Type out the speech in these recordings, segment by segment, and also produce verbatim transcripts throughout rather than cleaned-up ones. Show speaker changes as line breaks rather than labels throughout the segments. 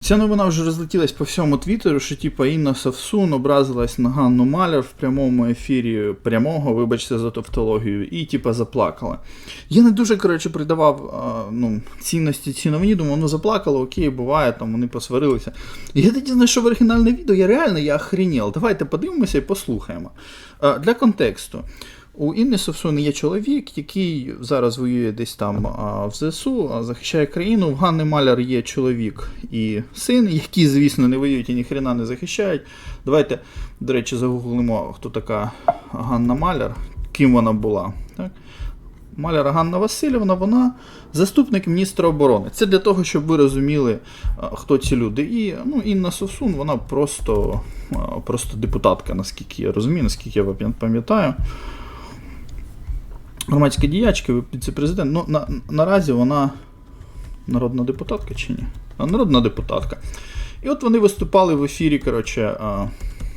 Ця новина вже розлетілась по всьому твіттеру, що типа Інна Совсун образилась на Ганну Маляр в прямому ефірі прямого, вибачте за тавтологію, і типа заплакала. Я не дуже, коротше, придавав а, ну, цінності цій новині, думав, ну заплакала, окей, буває, там вони посварилися. І я тоді знайшов оригінальне відео, я реально, я охренел. Давайте подивимося і послухаємо. А, для контексту. У Інни Совсун є чоловік, який зараз воює десь там а, в ЗСУ, а, захищає країну. В Ганни Маляр є чоловік і син, які, звісно, не воюють і ніхрена не захищають. Давайте, до речі, загуглимо, хто така Ганна Маляр, ким вона була. Так? Маляр Ганна Васильівна, вона заступник міністра оборони. Це для того, щоб ви розуміли, хто ці люди. І ну, Інна Совсун, вона просто, просто депутатка, наскільки я розумію, наскільки я пам'ятаю. Громадська діячка, віце-президент. Ну, на, наразі вона народна депутатка чи ні? А, народна депутатка. І от вони виступали в ефірі, коротше, а,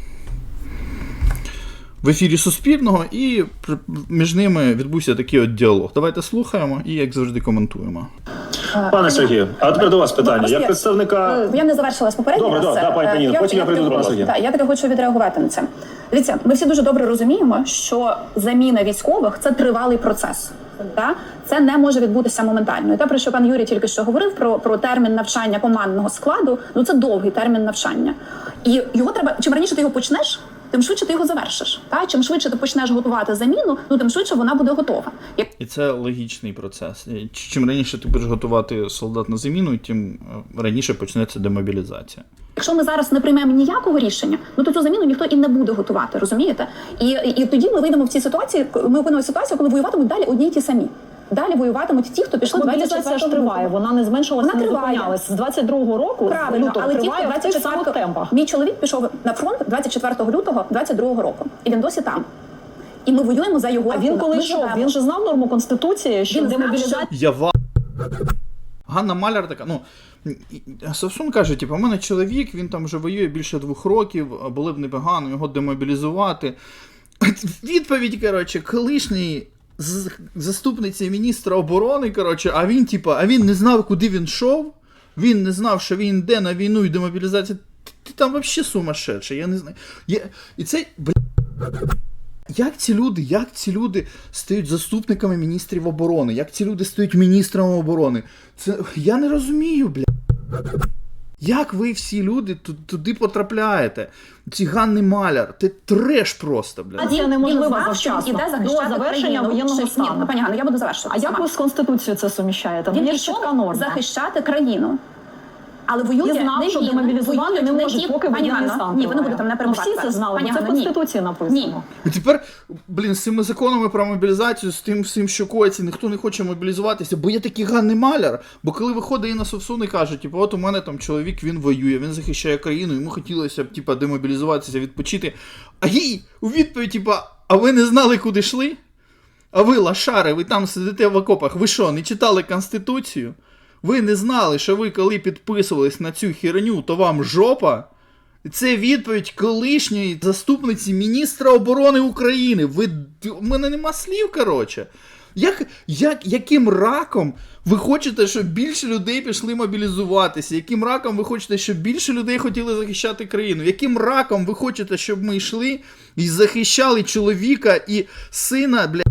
в ефірі Суспільного, і між ними відбувся такий от діалог. Давайте слухаємо і, як завжди, коментуємо.
Пане Сергію, а тепер до вас питання. Як представника...
Я не завершила з попереднього.
Добре, добре, да, пані Таніно, потім я прийду до пана Сергія.
Так, я таки хочу відреагувати на це. Дивіться, ми всі дуже добре розуміємо, що заміна військових – це тривалий процес. Так? Це не може відбутися моментально. І те, про що пан Юрій тільки що говорив, про, про термін навчання командного складу, ну це довгий термін навчання. І його треба, чим раніше ти його почнеш, тим швидше ти його завершиш. Так? Чим швидше ти почнеш готувати заміну, ну тим швидше вона буде готова.
І це логічний процес. Чим раніше ти будеш готувати солдат на заміну, тим раніше почнеться демобілізація.
Якщо ми зараз не приймемо ніякого рішення, ну то цю заміну ніхто і не буде готувати, розумієте? І, і, і тоді ми вийдемо в цій ситуації, ми опинимося в ситуації, коли воюватимуть далі одні й ті самі. Далі воюватимуть ті, хто пішли двадцять четвертого
Мобілізація ж триває, вона не зменшилася, не зупинялась. З двадцять другого року,
правильно,
лютого,
але
триває
ті, хто
в тих самих темпах.
Мій чоловік пішов на фронт двадцять четвертого лютого двадцять другого року, і він досі там. І ми воюємо за його.
А він коли йшов, він же знав норму Конституції, що демобілізація...
Я ва... Ганна Маляр така, ну, Совсун каже, типу, у мене чоловік, він там вже воює більше двох років, було б непогано його демобілізувати. Відповідь, коротше, колишній заступниці міністра оборони, коротше, а він, типу, а він не знав, куди він йшов, він не знав, що він йде на війну і демобілізацію. Ти, ти там взагалі сумасшедший, я не знаю. Я... І це, бля... Як ці люди, як ці люди стають заступниками міністрів оборони? Як ці люди стають міністрами оборони? Це я не розумію, бля. Як ви всі люди туди потрапляєте? Ці Ганни Маляр, це треш просто, бля.
Це неможливо завчасно. До завершення воєнного стану.
Пані Ганно, я буду завершувати.
А як ви з Конституцією це суміщаєте?
Він
є чітка норма.
Захищати країну. Але воює
не знав,
не
що
він,
демобілізувати не може,
ті...
поки воєнний стан.
Ні, ви не будете мене перебувати.
Всі це знали,
Пані
це в
Ганно,
Конституції написано.
Ні.
І тепер, блін, з цими законами про мобілізацію, з тим всім, що коїться, ніхто не хоче мобілізуватися, бо є такий Ганни Маляр. Бо коли виходить Інна Совсун і каже, типу, от у мене там чоловік, він воює, він захищає країну, йому хотілося б, типу, демобілізуватися, відпочити. А їй у відповідь, типу, а ви не знали, куди йшли? А ви, лошари, ви там сидите в окопах, ви що, не читали Конституцію? Ви не знали, що ви коли підписувались на цю херню, то вам жопа? Це відповідь колишньої заступниці міністра оборони України. Ви... У мене нема слів, коротше. Як, як, яким раком ви хочете, щоб більше людей пішли мобілізуватися? Яким раком ви хочете, щоб більше людей хотіли захищати країну? Яким раком ви хочете, щоб ми йшли і захищали чоловіка і сина, бля,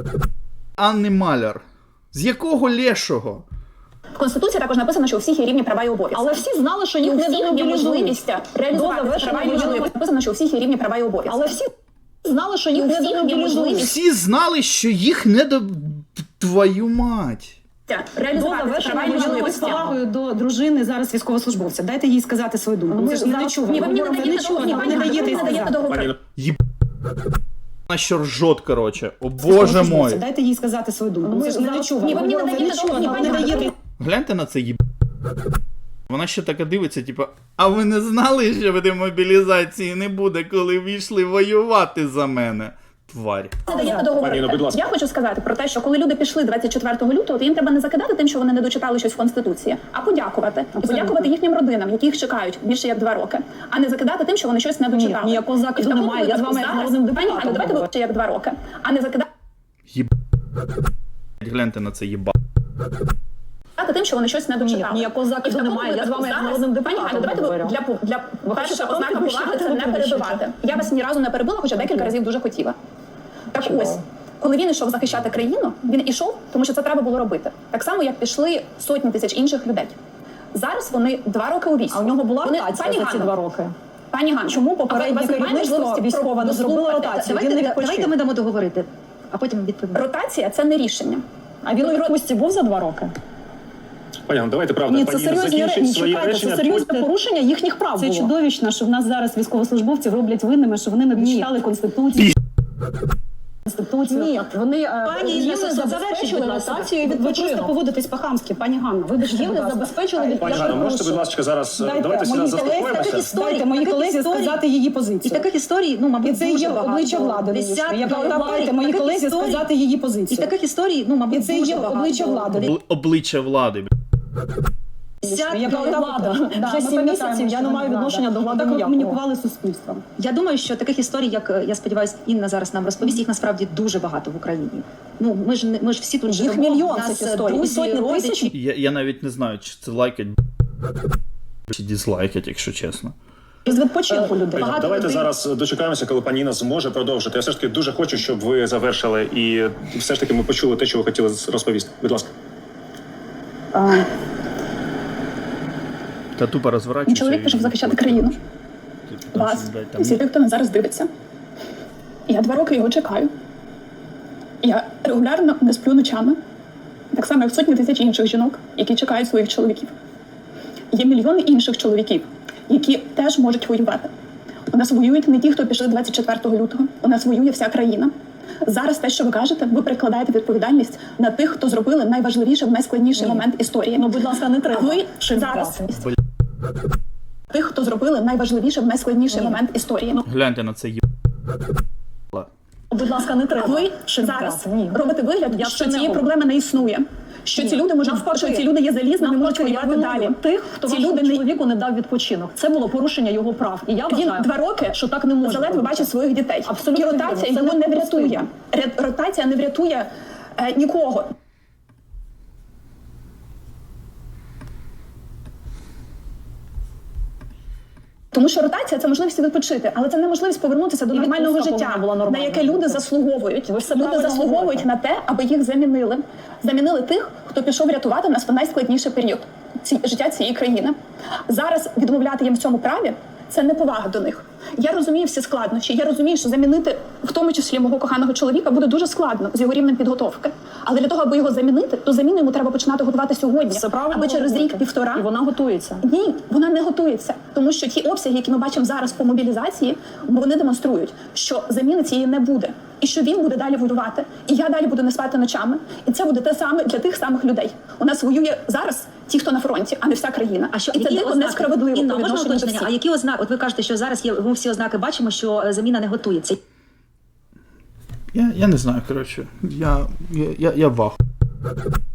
Анни Маляр? З якого лешого?
В Конституції також написано, що у всіх є рівні права і обов'язки.
Але всі знали, що їх не демобілізують.
Реалізувати права і обов'язки. Написано, що у всіх є рівні права і обов'язки.
Але всі знали, що їх не демобілізують.
Всі знали, що їх не до... Твою мать.
Реалізувати права і обов'язки.
З повагою до дружини зараз військовослужбовця. Дайте їй сказати свою думку.
Ми ж
не чули.
Ні, ви мені не даєте договорити.
Їб... Вона що ржот, коротше. О боже мой.
Дайте їй сказати свою думку. Ми ж не чули.
Ні, ви мені не даєте.
Гляньте на це їб... Вона ще така дивиться, типу, а ви не знали, що в демобілізації не буде, коли війшли воювати за мене? Тварь.
Я хочу сказати про те, що коли люди пішли двадцять четвертого лютого, то їм треба не закидати тим, що вони не дочитали щось в Конституції, а подякувати. І подякувати їхнім родинам, які їх чекають більше як два роки, а не закидати тим, що вони щось не дочитали.
Ні, ніякого закиду немає, я з вами як народним депутатом.
Пані, давайте ви ще як два роки, а не закидати.
Їб... Гляньте на це їба.
захищати тим, що вони щось не дочитали.
ніякого захисту
І в такому
немає. Я з вами як
випадку
народним
зараз- Пані
депутатом
Ганно, давайте ви
говорю.
для, для перша
хочете
ознака
потім
поваги це
кричати,
не
ви
перебивати. Я вас ні разу не перебила, хоча декілька разів дуже хотіла. Так
Чудово.
ось, коли він йшов захищати країну, він ішов, тому що це треба було робити. Так само, як пішли сотні тисяч інших людей. Зараз вони два роки у війську.
А у нього була
Вони-
ротація
Пані
за ці
Ганно,
два роки?
Пані Ганно,
Чому
а у
попереднє
вас немає
керівництво
можливості
військове не зробило
дослухати?
ротацію?
Давайте-
Він не відпочив.
Давайте ми дамо договорити, а потім відповімо.
Ротація це не рішення.
А він у відпустці був за два роки?
Пані Ганно, давайте правда,
Ні, це
пані
серйозні
закінчить
речі.
своє
Чекайте,
речення.
це серйозне
потім-
порушення їхніх прав
Це
було.
чудовищно, що в нас зараз військовослужбовців роблять винними, що вони не дочитали Конституцію. Конституцію.
Ні, вони е,
Пані,
їм
їм
не
завершіть,
забезпечили
будь ласка.
ротацію і
Ви просто
відпочинок.
поводитесь по-хамськи, пані Ганна. Вибачте,
Їм
будь
не
ласка.
забезпечили
Пані
відпочинок.
Ганно, можете, будь ласка, зараз
Дайте
давайте сюди
моїй колезі,
заспокоїмося.
таких історій,
Дайте моїй
таких
колезі
історій-
сказати її
І
позицію.
таких історій, ну, мабуть,
І це
дуже
є
багато.
обличчя влади,
Десятки
нинішньої, яка
історій,
дайте моїй
таких
колезі
історій-
сказати її
І
позицію.
таких історій, ну, мабуть,
І це
дуже
є
багато.
обличчя влади.
Обли- Обличчя влади. бля.
Десятки
Яка
історій.
влада?
Да,
Вже
ми
сім
пам'ятаємо,
місяців я
що
не
вона
маю
влада.
відношення до влади
Так
ніякого.
комунікували з суспільством.
Я думаю, що таких історій, як е, я сподіваюся, Інна зараз нам розповість, їх насправді дуже багато в Україні. Ну, ми ж не- ми ж всі тут
Їх
живемо,
мільйон
в нас,
цих
е,
історій, і
друзі,
сотні
родичі.
тисяч.
Я, я навіть не знаю, чи це лайкать, чи дізлайкать, якщо чесно.
З відпочинку людей.
Пані, давайте зараз дочекаємося, коли пані Інна зможе продовжити. Я все ж таки дуже хочу, щоб ви завершили і все ж таки ми почули те, що ви хотіли розповісти. Будь ласка.
Та тупо розворачується.
Чоловік
і-
пішов захищати країну.
Там
Вас,
щось, блядь, там
всі тих, хто нас зараз дивиться. Я два роки його чекаю. Я регулярно не сплю ночами, так само, як сотні тисяч інших жінок, які чекають своїх чоловіків. Є мільйони інших чоловіків, які теж можуть воювати. У нас воюють не ті, хто пішли двадцять четвертого лютого. У нас воює вся країна. Зараз те, що ви кажете, ви перекладаєте відповідальність на тих, хто зробили найважливіший, найскладніший момент історії.
Ну, будь ласка, не треба.
А ви
Шим
зараз
брати.
тих, хто зробили найважливіший, найскладніший момент історії. Ну,
Гляньте на це є.
Будь ласка, не
а
треба.
ви
Шим
зараз
брати. Ні.
робите вигляд,
Я
що
це не
цієї
говорю.
проблеми не існує. Що ці люди можуть
Навпаки.
що ці люди є залізними, можуть
Навпаки, я
воювати
виновна
далі.
тих, хто
ці
вашому
люди не
чоловіку не дав відпочинок. Це було порушення його прав. І я
він
вважаю,
два роки
що так не може
заледве
бути.
бачить своїх дітей.
Абсолютно
І
вірно.
ротація
Це
його не
неприпустимо.
врятує. Ре- Ротація не врятує е, нікого. Тому що ротація це можливість відпочити, але це не можливість повернутися до
І
нормального
відпустка
життя,
повинна була
на
нормальна
яке люди
бути.
заслуговують.
Ви все
Люди
правильно
заслуговують
говорите.
на те, аби їх замінили. Замінили тих, хто пішов рятувати нас в найскладніший період ці, життя цієї країни. Зараз відмовляти їм в цьому праві це неповага до них. Я розумію всі складнощі. Я розумію, що замінити, в тому числі мого коханого чоловіка, буде дуже складно з його рівнем підготовки. Але для того, аби його замінити, то заміну йому треба починати готувати сьогодні,
Все правильно
аби через
говорите.
рік-півтора.
І вона готується.
Ні, вона не готується, тому що ті обсяги, які ми бачимо зараз по мобілізації, вони демонструють, що заміни цієї не буде, і що він буде далі воювати, і я далі буду не спати ночами. І це буде те саме для тих самих людей. У нас воює зараз ті, хто на фронті, а не вся країна.
А що,
і це
які
дико
ознаки?
несправедливо
Інна,
по
можна
відношенню до
уточнення? А
всіх.
які ознаки? От ви кажете, що зараз є, ми всі ознаки бачимо, що е, заміна не готується.
Я, я не знаю, коротше. Я, я, я, я вах.